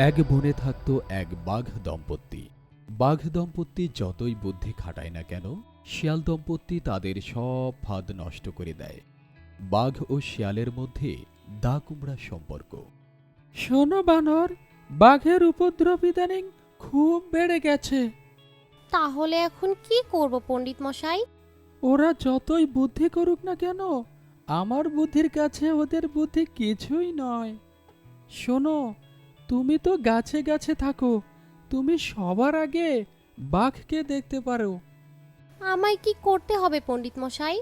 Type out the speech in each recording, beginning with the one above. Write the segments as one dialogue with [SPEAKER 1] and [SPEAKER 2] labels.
[SPEAKER 1] এক বনে থাকত এক বাঘ দম্পতি। বাঘ দম্পতি যতই বুদ্ধি খাটায় না কেন, শিয়াল দম্পতি তাদের সব ফাঁদ নষ্ট করে দেয়। বাঘ ও শিয়ালের মধ্যে দা কুমড়া সম্পর্ক।
[SPEAKER 2] শোনো বানর, বাঘের উপদ্রব ইদানিং খুব বেড়ে গেছে।
[SPEAKER 3] তাহলে এখন কি করব পণ্ডিত মশাই?
[SPEAKER 2] ওরা যতই বুদ্ধি করুক না কেন, আমার বুদ্ধির কাছে ওদের বুদ্ধি কিছুই নয়। শোনো, তুমি তো গাছে গাছে থাকো, তুমি সবার আগে বাঘকে দেখতে পারো।
[SPEAKER 3] আমায় কি করতে হবে পণ্ডিত মশাই?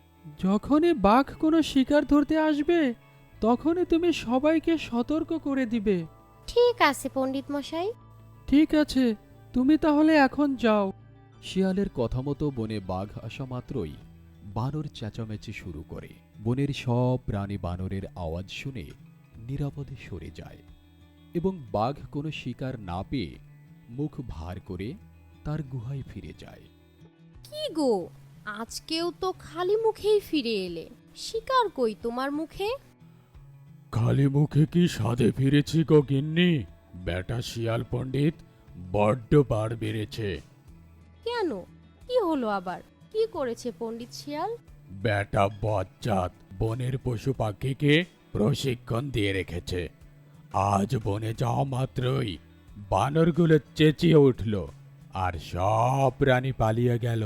[SPEAKER 2] যখনই বাঘ কোনো শিকার ধরতে আসবে, তখনই তুমি সবাইকে সতর্ক করে দিবে।
[SPEAKER 3] ঠিক আছে পণ্ডিত মশাই।
[SPEAKER 2] ঠিক আছে, তুমি তাহলে এখন যাও।
[SPEAKER 1] শিয়ালের কথা মতো বনে বাঘ আসা মাত্রই বানর চেঁচামেচি শুরু করে। বনের সব প্রাণী বানরের আওয়াজ শুনে নিরাপদে সরে যায় এবং বাঘ কোনো শিকার না পেয়ে মুখ ভার করে তার গুহায় ফিরে যায়।
[SPEAKER 3] কি গো, আজকেও তো খালি মুখেই ফিরে এলে। শিকার কই তোমার মুখে?
[SPEAKER 4] খালি মুখে কি স্বাদে ফিরেছি গো গিন্নি? বেটা শিয়াল পণ্ডিত বড্ড বার বেড়েছে।
[SPEAKER 3] কেন, কি হলো আবার? কি করেছে পণ্ডিত শিয়াল?
[SPEAKER 4] বেটা বজ্জাত বনের পশু পাখিকে প্রশিক্ষণ দিয়ে রেখেছে। আজ বনে যাওয়া মাত্রই বানরগুলো চেঁচিয়ে উঠল আর সব প্রাণী পালিয়ে গেল।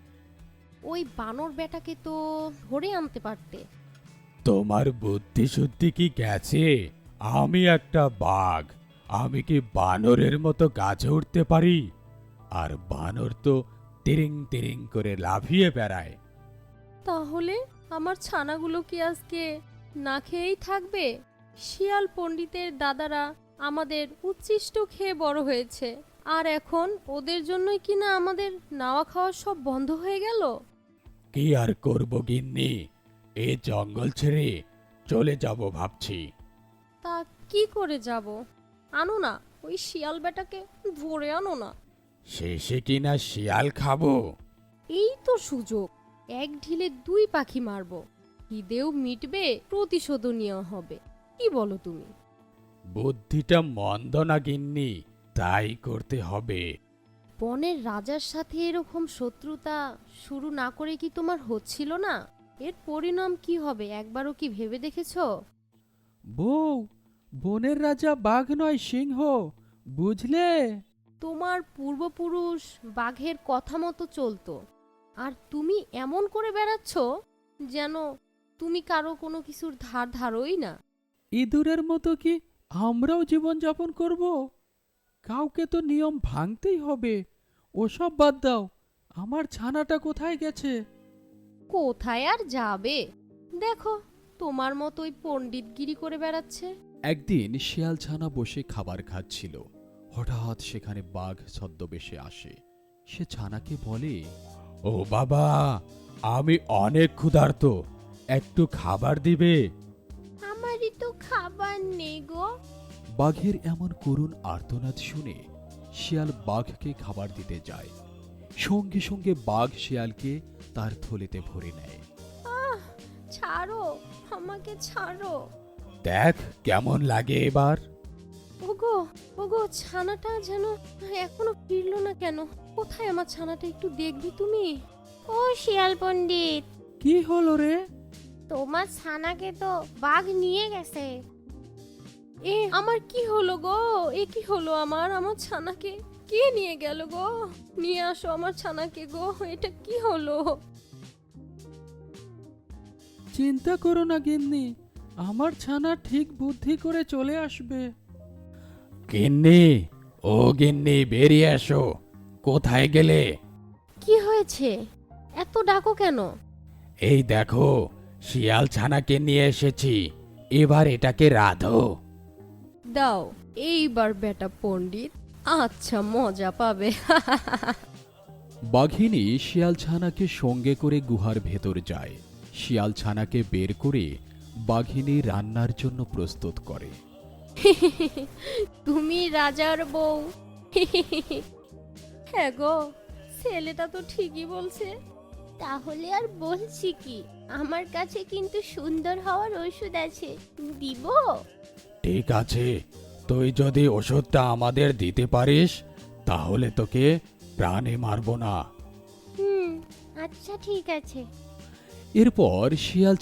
[SPEAKER 3] ওই বানর বেটাকে তো ধরে আনতে পারতে।
[SPEAKER 4] তোমার বুদ্ধি শুদ্ধি কি গেছে? আমি একটা বাঘ, আমি কি বানরের মতো গাছে উঠতে পারি? আর বানর তো তিরিং তিরিং করে লাফিয়ে বেড়ায়।
[SPEAKER 3] তাহলে আমার ছানাগুলো কি আজকে না খেয়েই থাকবে? শিয়াল পণ্ডিতের দাদারা আমাদের উচ্ছিষ্ট খেয়ে বড় হয়েছে, আর এখন ওদের জন্যই কিনা আমাদের নাওয়া খাওয়া সব বন্ধ হয়ে গেল।
[SPEAKER 4] কি আর করব গিন্নি, এ জঙ্গল ছেড়ে চলে যাব ভাবছি।
[SPEAKER 3] তা কি করে যাব? আনো না, ওই শিয়াল বেটাকে ধরে আনো না।
[SPEAKER 4] শেষে কিনা শিয়াল খাবো?
[SPEAKER 3] এই তো সুযোগ, এক ঢিলে দুই পাখি মারবো। খিদেও মিটবে, প্রতিশোধও নেওয়া হবে। কি বলো তুমি?
[SPEAKER 4] বুদ্ধিটা মন্দ না গিন্নি, তাই করতে হবে।
[SPEAKER 3] বনের রাজার সাথে এরকম শত্রুতা শুরু না করে কি তোমার হচ্ছিল না? এর পরিণাম কি হবে একবারও কি ভেবে দেখেছো?
[SPEAKER 2] বউ, বনের রাজা বাঘ নয় সিংহ, বুঝলে?
[SPEAKER 3] তোমার পূর্বপুরুষ বাঘের কথা মতো চলতো, আর তুমি এমন করে বেড়াচ্ছ যেন তুমি কারো কোনো কিছুর ধার ধারোই না।
[SPEAKER 2] ইঁদুরের মতো কি আমরাও জীবন যাপন করব? কাউকে তো নিয়ম ভাঙতেই হবে। ওসব বাদ দাও, আমার ছানাটা কোথায় গেছে?
[SPEAKER 3] কোথায় আর যাবে? দেখো, তোমার মতোই পণ্ডিতগিরি করে বেড়াচ্ছে।
[SPEAKER 1] একদিন শিয়াল ছানা বসে খাবার খাচ্ছিল। হঠাৎ সেখানে বাঘ ছদ্মবেশে আসে। সে ছানাকে বলে,
[SPEAKER 4] ও বাবা, আমি অনেক ক্ষুধার্ত, একটু খাবার দিবে?
[SPEAKER 3] আমারই তো খাবার নেই গো।
[SPEAKER 1] বাঘের এমন করুণ আর্তনাদ শুনে শিয়াল বাঘকে খাবার দিতে যায়। সঙ্গে সঙ্গে বাঘ শিয়ালকে তার থলেতে ভরে নেয়।
[SPEAKER 3] ছাড়ো, আমাকে ছাড়ো।
[SPEAKER 4] দেখ কেমন লাগে এবার।
[SPEAKER 3] ওগো, ওগো, ছানাটা যেন এখনো ফিরলো না কেন? কোথায় আমার ছানাটা, একটু দেখবি তুমি? ও শিয়াল পণ্ডিত,
[SPEAKER 2] কি হলো রে?
[SPEAKER 3] তোমার ছানাকে তো বাঘ নিয়ে গেছে। এ আমার কি হলো গো? এ কি হলো আমার? আমার ছানাকে কে নিয়ে গেল গো? নিয়ে আসো আমার ছানাকে গো, এটা কি হলো?
[SPEAKER 2] চিন্তা করো না গিন্নি, আমার ছানা ঠিক বুদ্ধি করে চলে আসবে।
[SPEAKER 4] গিন্নি, ও গিন্নি, বেরিয়ে এসো। কোথায় গেলে?
[SPEAKER 3] কি হয়েছে? এত ডাকো কেন?
[SPEAKER 4] এই দেখো, শিয়াল ছানাকে নিয়ে এসেছি, এবার এটাকে রাধো।
[SPEAKER 3] দাও, এইবার বেটা পণ্ডিত আচ্ছা মজা পাবে।
[SPEAKER 1] বাঘিনী শিয়াল ছানাকে সঙ্গে করে গুহার ভেতর যায়। শিয়াল ছানাকে বের করে বাঘিনী রান্নার জন্য প্রস্তুত করে।
[SPEAKER 3] তুমি রাজার বউ। হ্যাঁ গো, ছেলেটা তো ঠিকই বলছে। তাহলে আর বলছি কি, আমার কাছে কিন্তু সুন্দর হওয়ার ওষুধ আছে, দিব?
[SPEAKER 4] ঠিক আছে, তুই যদি ওষুধটা আমাদের দিতে পারিস তাহলে তোকে প্রাণে মারবো না।
[SPEAKER 5] আচ্ছা ঠিক আছে।
[SPEAKER 1] এরপর শিয়াল